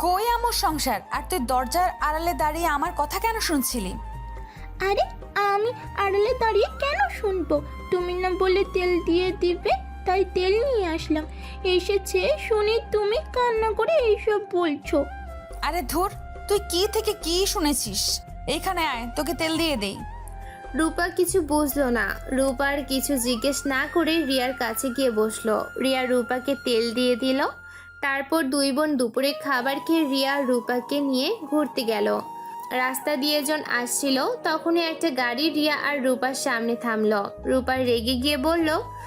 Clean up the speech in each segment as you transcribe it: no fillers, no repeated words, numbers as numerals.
কই আমার সংসার? আর তুই দরজার আড়ালে দাঁড়িয়ে আমার কথা কেন শুনছিলি? আরে আমি আড়ালে দাঁড়িয়ে কেন শুনবো? তুমি না বলে তেল দিয়ে দিবে, তাই তেল নিয়ে আসলাম। এসেছে শুনে তুমি কান্না করে এইসব বলছো। আরে ধুর, তুই কি থেকে কি শুনেছিস? এইখানে আয়, তোকে তেল দিয়ে দেই। রূপা কিছু বুঝলো না। রূপার কিছু জিজ্ঞেস না করে রিয়ার কাছে গিয়ে বসলো। রিয়া রূপাকে তেল দিয়ে দিল। তারপর দুই বোন দুপুরে খাবার খেয়ে রিয়া রূপাকে নিয়ে ঘুরতে গেল। রাস্তা দিয়ে জন আসছিল, তখনই একটা গাড়ি রিয়া আর রূপার সামনে থামলো। রূপা রেগে গিয়ে বলল,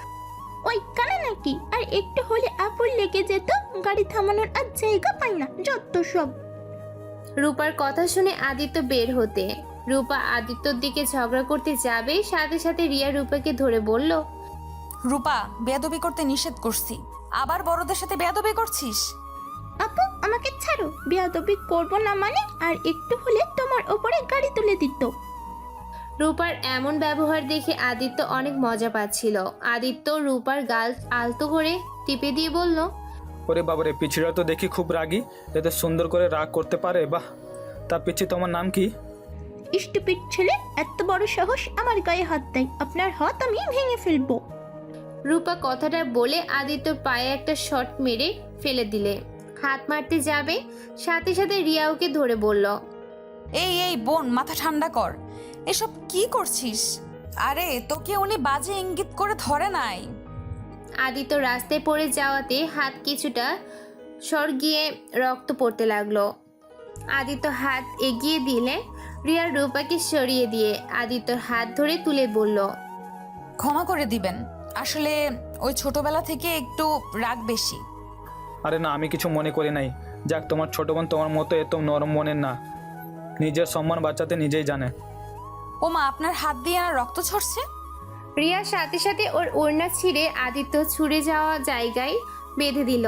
ওই কানা নাকি? আর একটু হলে আপুর লেগে যেত। গাড়ি থামানোর আর জায়গা পাই না, যত সব। রূপার কথা শুনে আদিত্য বের হতে। রূপা আদিত্যর দিকে ঝগড়া করতে যাবে, সাথে সাথে রিয়া রূপাকে ধরে বলল, রূপা, বেয়াদবি করতে নিষেধ করছি, আবার বড়দের সাথে বেয়াদবি করছিস? আপু আমাকে ছাড়ো, বেয়াদবি করবো না মানে? আর একটু হলে তোমার ওপরে গাড়ি তুলে দিত। রূপার এমন ব্যবহার দেখে আদিত্য অনেক মজা পাচ্ছিল। আদিত্য রূপার গাল আলতো করে টিপে দিয়ে বলল, ওরে বাবারে, পিছিরা তো দেখি খুব রাগী, এত সুন্দর করে রাগ করতে পারে, বাহ। তা পিছি, তোমার নাম কি? স্টুপিড ছেলে, এত বড় সাহস আমার গায়ে হাত দেয়। আপনার হাত আমি ভেঙে ফেলবো। রূপা কথাটা বলে আদিত্যর পায়ে একটা শট মেরে ফেলে দিলে। হাত মারতে যাবে, সাথে সাথে রিয়া ওকে ধরে বলল, এই এই বোন, মাথা ঠান্ডা কর, এসব কি করছিস? আরে তোকে উনি বাজে ইঙ্গিত করে ধরে নাই। আদিত্য রাস্তায় পড়ে যাওয়াতে হাত কিছুটা গিয়ে রক্ত পড়তে লাগলো। আদিত্য হাত এগিয়ে দিলে রিয়া রূপাকে সরিয়ে দিয়ে আদিত্যর হাত ধরে তুলে বলল, ক্ষমা করে দিবেন, আসলে ওই ছোটবেলা থেকে একটু রাগ বেশি। আরে না, আমি কিছু মনে করি নাই। যাক, তোমার ছোট বোন তোমার মতো এত নরম মনের না, নিজের সম্মান বাঁচাতে নিজেই জানে। ও মা, আপনার হাত দিয়ে আর রক্ত ঝরছে? রিয়ার সাথে সাথে ওর ওড়না ছিঁড়ে আদিত্য ছুঁড়ে যাওয়া জায়গায় বেঁধে দিল।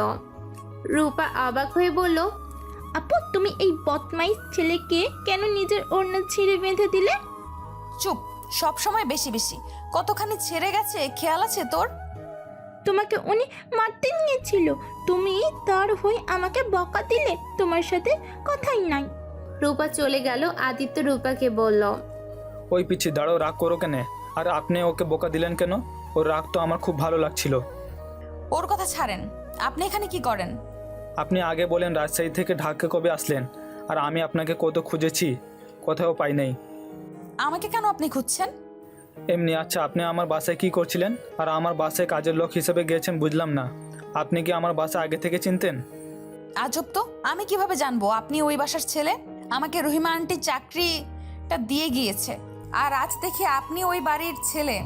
রূপা অবাক হয়ে বলল, আপু তুমি এই বদমাইশ ছেলেকে কেন নিজের ওড়না ছিঁড়ে বেঁধে দিলে? চুপ, সব সময় বেশি বেশি। কতখানি ছেড়ে গেছে খেয়াল আছে তোর? তোমাকে উনি মারতে নিয়েছিল, তুমি তার হয়ে আমাকে বকা দিলে। তোমার সাথে কথাই নাই। রূপা চলে গেল। আদিত্য রূপাকে বলল, ওই পিছি, দাঁড়াও, রাগ করো কেন? আর আপনি ওকে বোকা দিলেন কেন? ওর রাগ তো আমার খুব ভালো লাগছিল। ওর কথা ছাড়েন, আপনি এখানে কি করেন? আপনি আগে বলেন রাজশাহী থেকে ঢাকা কবে আসলেন, আর আমি আপনাকে কত খুঁজেছি, কোথাও পাই নাই। আমাকে কেন আপনি খুঁজছেন? এমনি। আচ্ছা, আপনি আমার বাসায় কি করছিলেন? আর আমার বাসায় কাজের লোক হিসেবে গিয়েছেন, বুঝলাম না। আপনি কি আমার বাসা আগে থেকে চিনতেন? আজব তো, আমি কিভাবে জানবো আপনি ওই বাসার ছেলে? আমাকে রহিমা আন্টি চাকরিটা দিয়ে গিয়েছে, আর আজ দেখি আপনি ওই বাড়ির ছেলে।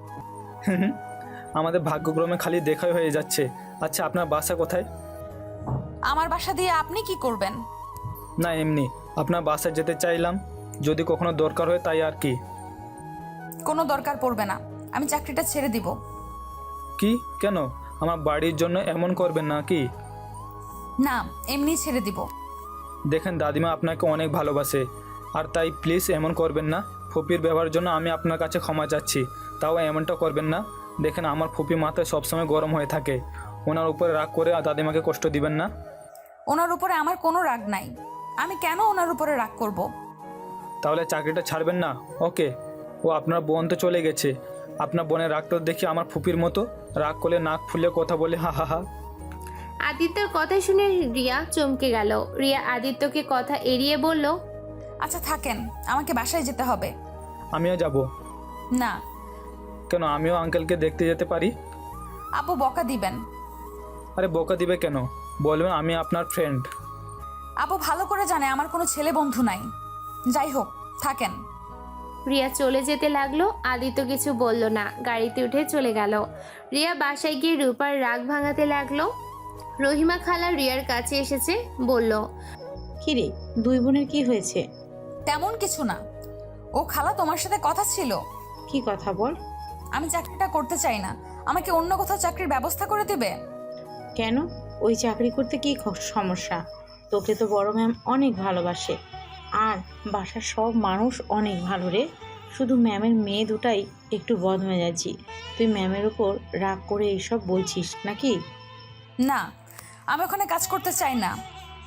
আমাদের ভাগ্যক্রমে খালি দেখাই হয়ে যাচ্ছে। আচ্ছা, আপনার বাসা কোথায়? আমার বাসা দিয়ে আপনি কি করবেন? না, এমনি আপনার বাসায় যেতে চাইলাম, যদি কখনো দরকার হয়, তাই আর কি। কোনো দরকার পড়বে না, আমি চাকরিটা ছেড়ে দিব। কি? কেন? আমার বাড়ির জন্য এমন করবেন না কি? না, এমনি ছেড়ে দিব। দেখেন দাদিমা আপনাকে অনেক ভালোবাসে, আর তাই প্লিজ এমন করবেন না। ফুপির ব্যবহারের জন্য আমি আপনার কাছে ক্ষমা চাচ্ছি, তাও এমনটা করবেন না। দেখেন, আমার ফুপি মাথায় সবসময় গরম হয়ে থাকে, ওনার উপরে রাগ করে দাদিমাকে কষ্ট দিবেন না। ওনার উপরে আমার কোনো রাগ নাই, আমি কেন ওনার উপরে রাগ করব? তাহলে চাকরিটা ছাড়বেন না? ওকে। ও আপনার বোন তো চলে গেছে, আপনার বোনের রাগটা দেখি আমার ফুপির মতো, রাগ করলে নাক ফুলে কথা বলে, হা হা হা। আদিত্যর কথা শুনে রিয়া চমকে গেল। রিয়া আদিত্যকে কথা এড়িয়ে বলল, আচ্ছা থাকেন, আমাকে বাসায় যেতে হবে। আমিও যাব। না। কেন? আমিও আঙ্কেলকে দেখতে যেতে পারি। আপু বকা দিবেন। আরে বোকা দিবে কেন? বলবেন আমি আপনার ফ্রেন্ড। আপু ভালো করে জানে আমার কোনো ছেলে বন্ধু নাই। যাই হোক, থাকেন। রিয়া চলে যেতে লাগলো। আদিত্য কিছু বলল না, গাড়িতে উঠে চলে গেল। রিয়া বাসায় গিয়ে রূপার রাগ ভাঙাতে লাগলো। রহিমা খালা রিয়ার কাছে এসেছে, বলল, কিরে, দুই বোনের কি হয়েছে? তেমন কিছু না। ও খালা, তোমার সাথে কথা ছিল। কি কথা বল। আমি চাকরিটা করতে চাই না, আমাকে অন্য কোথাও চাকরির ব্যবস্থা করে দিবে। কেন? ওই চাকরি করতে কি সমস্যা? তোকে তো বড় ম্যাম অনেক ভালোবাসে, আর বাসার সব মানুষ অনেক ভালো রে। শুধু ম্যামের মেয়ে দুটাই একটু বদমেজাজি। তুই ম্যামের উপর রাগ করে এইসব বলছিস নাকি? না, আমি ওখানে কাজ করতে চাই না।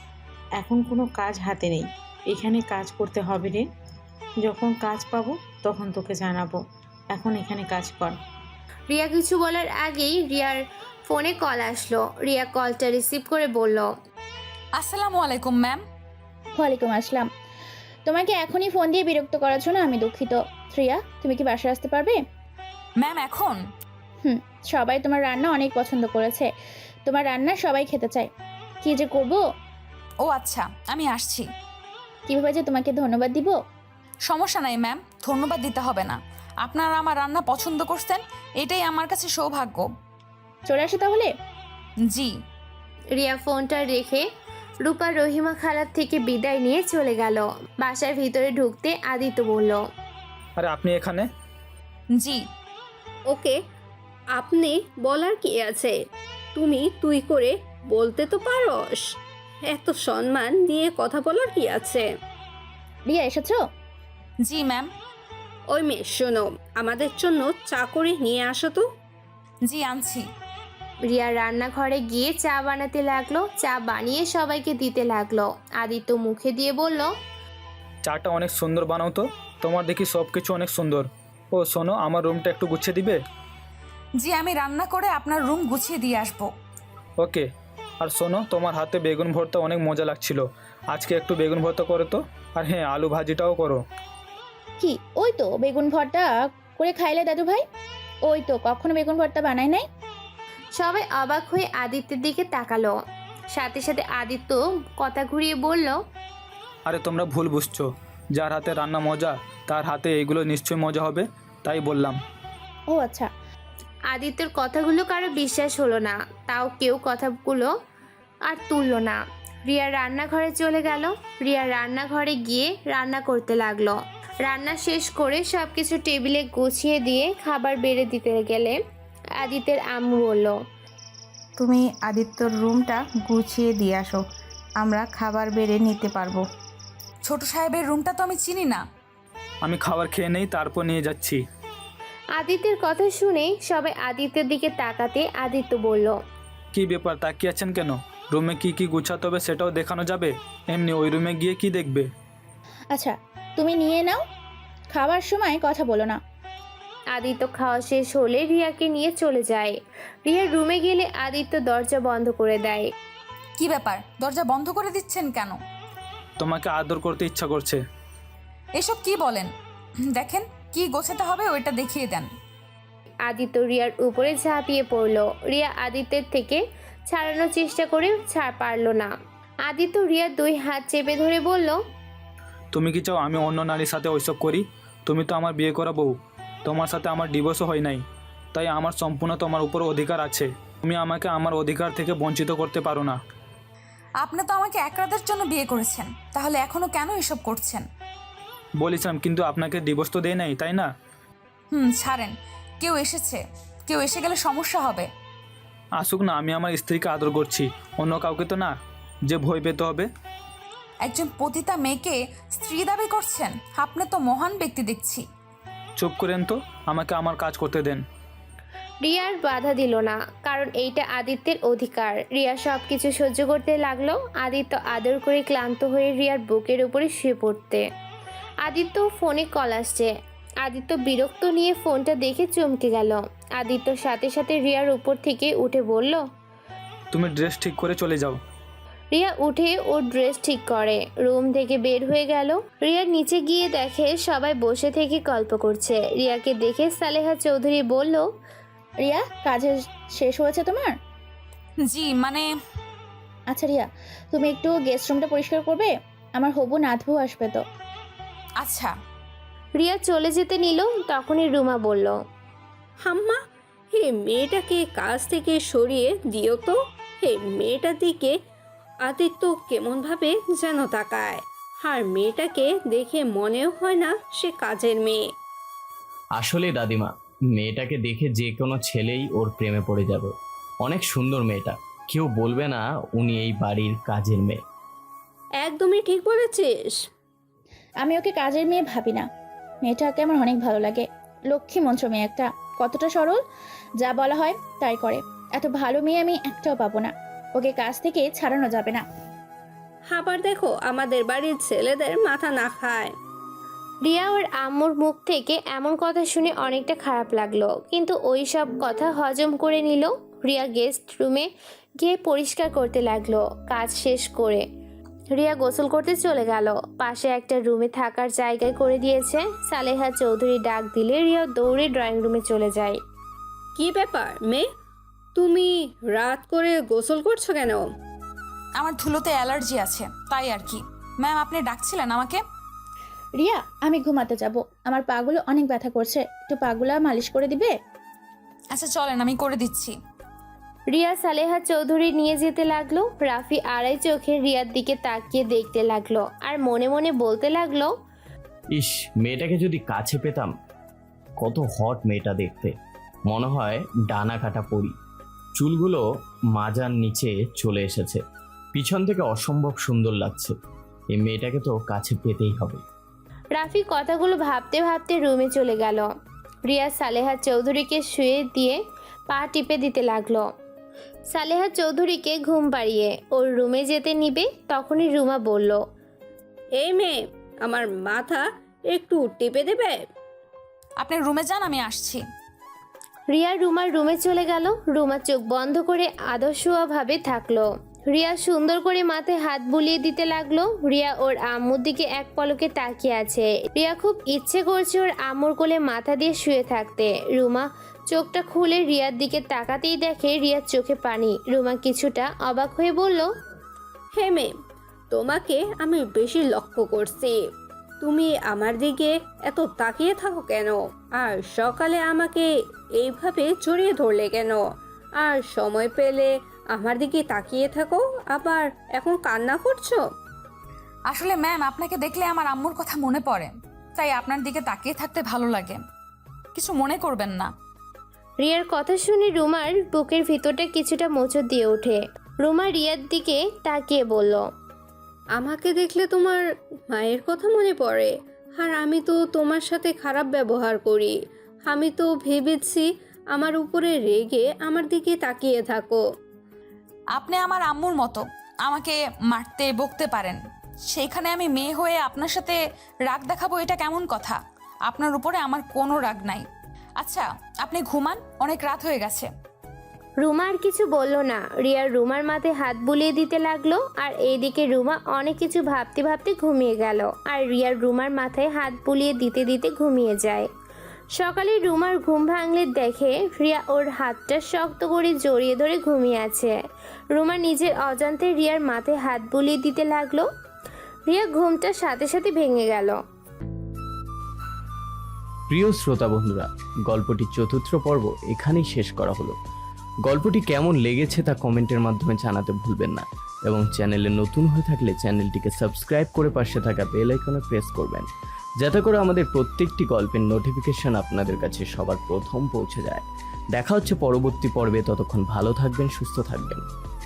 এখন কোনো কাজ হাতে নেই, এখানে কাজ করতে হবে রে। যখন কাজ পাবো তখন তোকে জানাবো, এখন এখানে কাজ কর। রিয়া কিছু বলার আগেই রিয়ার ফোনে কল আসলো। রিয়া কলটা রিসিভ করে বলল, আসসালামু আলাইকুম ম্যাম। ওয়ালাইকুম আসসালাম। তোমাকে এখনই ফোন দিয়ে বিরক্ত করার জন্য আমি দুঃখিত। শ্রেয়া, তুমি কি বাসায় আসতে পারবে? ম্যাম এখন? সবাই তোমার রান্না অনেক পছন্দ করেছে, তোমার রান্না সবাই খেতে চায়। কি যে করব, ও আচ্ছা, আমি আসছি। কিভাবে যে তোমাকে ধন্যবাদ দিব। সমস্যা নাই ম্যাম, ধন্যবাদ দিতে হবে না। আপনারা আমার রান্না পছন্দ করছেন, এটাই আমার কাছে সৌভাগ্য। চলে আসো তাহলে। জি। রিয়া ফোনটা রেখে রূপা রহিমা খালার থেকে বিদায় নিয়ে চলে গেল। বাসার ভিতরে ঢুকতে আদিত্য বলল, আরে আপনি এখানে? জি। ওকে, আপনি বলার কি আছে? তুমি তুই করে বলতে তো পারস। এত সম্মান নিয়ে কথা বলার কি আছে? রিয়া এসেছো? জি ম্যাম। ওই মেয়ে শোনো, আমাদের জন্য চা করে নিয়ে আসো তো। জি আনছি। রিয়া রান্নাঘরে গিয়ে চা বানাতে লাগলো। চা বানিয়ে সবাইকে দিতে লাগলো। আদিত্য মুখে দিয়ে বলল, চাটা অনেক সুন্দর বানাও তো, তোমার দেখি সব কিছু অনেক সুন্দর। ও শোনো, আমার রুমটা একটু গুছিয়ে দিবে? জি, আমি রান্না করে আপনার রুম গুছিয়ে দিয়ে আসবো। ওকে। আর শোনো, তোমার হাতে বেগুন ভর্তা অনেক মজা লাগছিল, আজকে একটু বেগুন ভর্তা করো তো। আর হ্যাঁ, আলু ভাজিটাও করো। কি, ওই তো বেগুন ভর্তা করে খাইলে দাদু ভাই। ওই তো কখনো বেগুন ভর্তা বানাই নাই। সবাই অবাক হয়ে আদিত্যের দিকে তাকালো। সাথে সাথে আদিত্য কথা ঘুরিয়ে বলল, আরে তোমরা ভুল বুঝছো, যার হাতে রান্না মজা তার হাতে এগুলো নিশ্চয়ই মজা হবে, তাই বললাম। ও আচ্ছা। আদিত্যের কথাগুলো কারো বিশ্বাস হলো না, তাও কেউ কথাগুলো আর তুললো না। রিয়া রান্নাঘরে চলে গেল। রিয়া রান্নাঘরে গিয়ে রান্না করতে লাগলো। রান্না শেষ করে সব কিছু টেবিলে গুছিয়ে দিয়ে খাবার বেড়ে দিতে গেলে আদিত্যের আম্মু বলল, তুমি আদিত্যর রুমটা গুছিয়ে দিয়ে আসো, আমরা খাবার বেড়ে নিতে পারবো। ছোট সাহেবের রুমটা তো আমি চিনি না। আমি খাবার খেয়ে নেই, তারপর নিয়ে যাচ্ছি। আদিত্যের কথা শুনে সবাই আদিত্যের দিকে তাকাতে আদিত্য বলল, কি ব্যাপার, তাকিয়ে আছেন কেন? রুমে কি কি গুছাতে হবে সেটাও দেখানো যাবে, এমনি ওই রুমে গিয়ে কি দেখবে? আচ্ছা, তুমি নিয়ে নাও, খাওয়ার সময় কথা বলো না। আদিত্য খাওয়া শেষ হলে রিয়াকে নিয়ে চলে যায়। রিয়ার রুমে গেলে আদিত্য দরজা বন্ধ করে দেয়। কি ব্যাপার, দরজা বন্ধ করে দিচ্ছেন কেন? তোমাকে আদর করতে ইচ্ছা করছে। এসব কি বলেন? দেখেন কি গোছাতে হবে ওইটা দেখিয়ে দেন। আদিত্য রিয়ার উপরে ঝাঁপিয়ে পড়ল। রিয়া আদিত্যের থেকে ছাড়ানোর চেষ্টা করে পারল না। আদিত্য রিয়ার দুই হাত চেপে ধরে বলল, তুমি কি চাও আমি অন্য নারীর সাথে ওইসব করি? তুমি তো আমার বিয়ে করা বউ, তোমার সাথে আমার ডিভোর্সও হয় নাই, তাই আমার সম্পূর্ণ তোমার উপর অধিকার আছে। তুমি আমাকে আমার অধিকার থেকে বঞ্চিত করতে পারো না। আপনি তো আমাকে এক রাতের জন্য বিয়ে করেছেন, তাহলে এখনো কেন এসব করছেন? বলেছিলাম, কিন্তু আপনাকে ডিভোর্স তো দেয় নাই, তাই না? ছাড়েন, কেউ এসেছে, কেউ এসে গেলে সমস্যা হবে। আসুক না, আমি আমার স্ত্রীকে আদর করছি, অন্য কাউকে তো না যে ভয় পেতে হবে। একজন পতিতা মেয়েকে স্ত্রী দাবি করছেন? আপনি তো মহান ব্যক্তি দেখছি। চুপ করেন তো, আমাকে আমার কাজ করতে দেন। রিয়ার বাধা দিল না, কারণ এইটা আদিত্যের অধিকার। রিয়া সব কিছু সহ্য করতে লাগলো। আদিত্য আদর করে ক্লান্ত হয়ে রিয়ার বুকের উপরে শুয়ে পড়তে। আদিত্য ফোনে কল আসছে। আদিত্য বিরক্ত নিয়ে ফোনটা দেখে চমকে গেল। আদিত্য সাথে সাথে রিয়ার উপর থেকে উঠে বলল, তুমি ড্রেস ঠিক করে চলে যাও। রিয়া উঠে ওর ড্রেস ঠিক করে রুম থেকে বের হয়ে গেল। রিয়া নিচে গিয়ে দেখে সবাই বসে থেকে গল্প করছে। রিয়াকে দেখে সালেহা চৌধুরী বলল, রিয়া, কাজের শেষ হয়েছে তোমার? জি মানে আচ্ছা রিয়া, তুমি একটু গেস্ট রুমটা পরিষ্কার করবে, আমার হবু নাতবু আসবে তো। আচ্ছা। রিয়া চলে যেতে নিল, তখনই রুমা বলল, হাম্মা, হে মেয়েটাকে কাজ থেকে সরিয়ে দিও তো। হে মেয়েটার দিকে আদিত্য কেমনভাবে যেন তাকায়, আর মেয়েটাকে দেখে মনেও হয় না সে কাজের মেয়ে। আসলে দাদিমা, মেয়েটাকে দেখে যে কোনো ছেলেই ওর প্রেমে পড়ে যাবে। অনেক সুন্দর মেয়েটা, কেউ বলবে না উনি এই বাড়ির কাজের মেয়ে। একদমই ঠিক বলেছিস। আমি ওকে কাজের মেয়ে ভাবি না, মেয়েটাকে আমার অনেক ভালো লাগে। লক্ষ্মী মন্ত্র মেয়ে একটা, কতটা সরল, যা বলা হয় তাই করে। এত ভালো মেয়ে আমি একটাও পাবো না, ওকে কাজ থেকে ছাড়ানো যাবে না। আবার দেখো আমাদের বাড়ির ছেলেদের মাথা না খায়। রিয়া ওর আম্মুর মুখ থেকে এমন কথা শুনে অনেকটা খারাপ লাগলো, কিন্তু ওই সব কথা হজম করে নিল। রিয়া গেস্ট রুমে গিয়ে পরিষ্কার করতে লাগলো। কাজ শেষ করে রিয়া গোসল করতে চলে গেল। পাশে একটা রুমে থাকার জায়গায় করে দিয়েছে। সালেহা চৌধুরী ডাক দিলে রিয়া দৌড়ে ড্রয়িং রুমে চলে যায়। কি ব্যাপার মেয়ে, তুমি রাত করে গোসল করছো কেন? আমার ধুলোতে অ্যালার্জি আছে, তাই আর কি। ম্যাম, আপনি ডাকছিলেন আমাকে? রিয়া, আমি ঘুমাতে যাব, আমার পাগুলো অনেক ব্যথা করছে, একটু পাগুলো মালিশ করে দিবে? আচ্ছা চলেন, আমি করে দিচ্ছি। রিয়া সালেহা চৌধুরী নিয়ে যেতে লাগলো। রাফি আড়াই চোখে রিয়ার দিকে তাকিয়ে দেখতে লাগলো আর মনে মনে বলতে লাগলো, ইস, মেয়েটাকে যদি কাছে পেতাম। কত হট মেয়েটা দেখতে, মনে হয় ডানা কাটা পরি। চুলগুলো মাজার নিচে চলে এসেছে, পিছন থেকে অসম্ভব সুন্দর লাগছে। এই মেয়েটাকে তো কাছে পেতেই হবে। রাফি কথাগুলো ভাবতে ভাবতে রুমে চলে গেল। রিয়া সালেহা চৌধুরীকে শুয়ে দিয়ে পা টিপে দিতে লাগলো। সালেহা চৌধুরীকে ঘুম পাড়িয়ে ওর রুমে যেতে নিবে, তখনই রুমা বলল, এই মেয়ে, আমার মাথা একটু টিপে দেবে? আপনি রুমে যান, আমি আসছি। রিয়া রুমার রুমে চলে গেল। রুমা চোখ বন্ধ করে আদর্শভাবে থাকলো। রিয়া সুন্দর করে মাথায় হাত বুলিয়ে দিতে লাগলো। রিয়া ওর আম্মুর দিকে এক পলকে তাকিয়ে আছে। রিয়া খুব ইচ্ছে করছে ওর আম্মুর কোলে মাথা দিয়ে শুয়ে থাকতে। রুমা চোখটা খুলে রিয়ার দিকে তাকাতেই দেখে রিয়ার চোখে পানি। রুমা কিছুটা অবাক হয়ে বলল, হে মেয়ে, তোমাকে আমি বেশি লক্ষ্য করছি। তুমি আমার দিকে এত তাকিয়ে থাকো কেন? আর সকালে আমাকে এইভাবে জড়িয়ে ধরলে কেন? আর সময় পেলে আমার দিকে তাকিয়ে থাকো, আবার এখন কান্না করছো? আসলে ম্যাম, আপনাকে দেখলে আমার আম্মুর কথা মনে পড়ে, তাই আপনার দিকে তাকিয়ে থাকতে ভালো লাগে। কিছু মনে করবেন না। রিয়ার কথা শুনে রুমার বুকের ভিতরটা কিছুটা মোচড় দিয়ে ওঠে। রুমা রিয়ার দিকে তাকিয়ে বলল, আমাকে দেখলে তোমার মায়ের কথা মনে পড়ে? আর আমি তো তোমার সাথে খারাপ ব্যবহার করি। আমি তো ভেবেছি আমার উপরে রেগে আমার দিকে তাকিয়ে থাকো। আপনি আমার আম্মুর মতো আমাকে মারতে বকতে পারেন, সেইখানে আমি মেয়ে হয়ে আপনার সাথে রাগ দেখাবো, এটা কেমন কথা? আপনার উপরে আমার কোনো রাগ নাই। আচ্ছা, আপনি ঘুমান, অনেক রাত হয়ে গেছে। রুমা আর কিছু বলল না। রিয়ার রুমার মাথায় হাত বুলিয়ে দিতে লাগলো। আর এইদিকে রুমা অনেক কিছু ভাবতে ভাবতে ঘুমিয়ে গেল। আর রিয়ার রুমার মাথায় হাত বুলিয়ে দিতে দিতে ঘুমিয়ে যায়। সকালে রুমার ঘুম ভাঙলে দেখে রিয়া ওর হাতটা শক্ত করে জড়িয়ে ধরে ঘুমিয়ে আছে। রুমা নিজের অজান্তে রিয়ার মাথায় হাত বুলিয়ে দিতে লাগলো। রিয়া ঘুমটার সাথে সাথে ভেঙে গেল। প্রিয় শ্রোতা বন্ধুরা, গল্পটির চতুর্থ পর্ব এখানেই শেষ করা হলো। গল্পটি কেমন লেগেছে তা কমেন্টের মাধ্যমে জানাতে ভুলবেন না, এবং চ্যানেলে নতুন হয়ে থাকলে চ্যানেলটিকে সাবস্ক্রাইব করে পাশে থাকা বেল আইকনে প্রেস করবেন, যাতে করে আমাদের প্রত্যেকটি গল্পের নোটিফিকেশন আপনাদের কাছে সবার প্রথম পৌঁছে যায়। দেখা হচ্ছে পরবর্তী পর্বে, ততক্ষণ ভালো থাকবেন, সুস্থ থাকবেন।